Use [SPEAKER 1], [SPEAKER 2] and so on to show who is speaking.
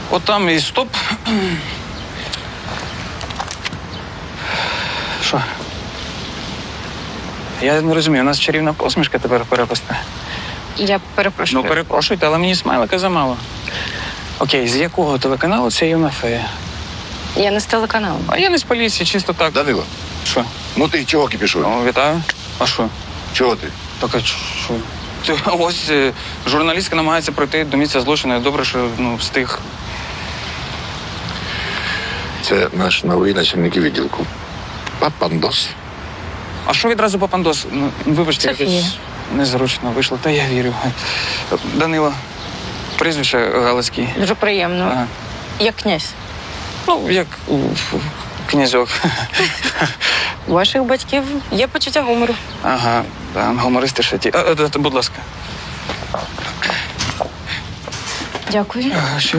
[SPEAKER 1] Отам і стоп. Що? Я не розумію, у нас чарівна посмішка тепер перепусте.
[SPEAKER 2] Я перепрошую.
[SPEAKER 1] Ну, перепрошуйте, але мені смайлика замало. Окей, з якого телеканалу ця юна фея?
[SPEAKER 2] Я не з телеканалу.
[SPEAKER 1] А я не з поліції, чисто так.
[SPEAKER 3] Данило,
[SPEAKER 1] Що?
[SPEAKER 3] ну ти чого кипішуєш?
[SPEAKER 1] Ну, вітаю. А що?
[SPEAKER 3] Чого ти?
[SPEAKER 1] Так, а що? Ось журналістка намагається пройти до місця злочину. Добре, що встиг.
[SPEAKER 3] Це наш новий начальник відділку. Папандос.
[SPEAKER 1] А що відразу папандос? Ну, вибачте,
[SPEAKER 2] Софія.
[SPEAKER 1] якось незручно вийшло. Та я вірю. Данило. Прізвище Галицький.
[SPEAKER 2] Дуже приємно.
[SPEAKER 1] Ага.
[SPEAKER 2] Як князь.
[SPEAKER 1] Ну, як князьок.
[SPEAKER 2] У ваших батьків є почуття гумору.
[SPEAKER 1] Ага, да, гумористи ще ті. Будь ласка.
[SPEAKER 2] Дякую.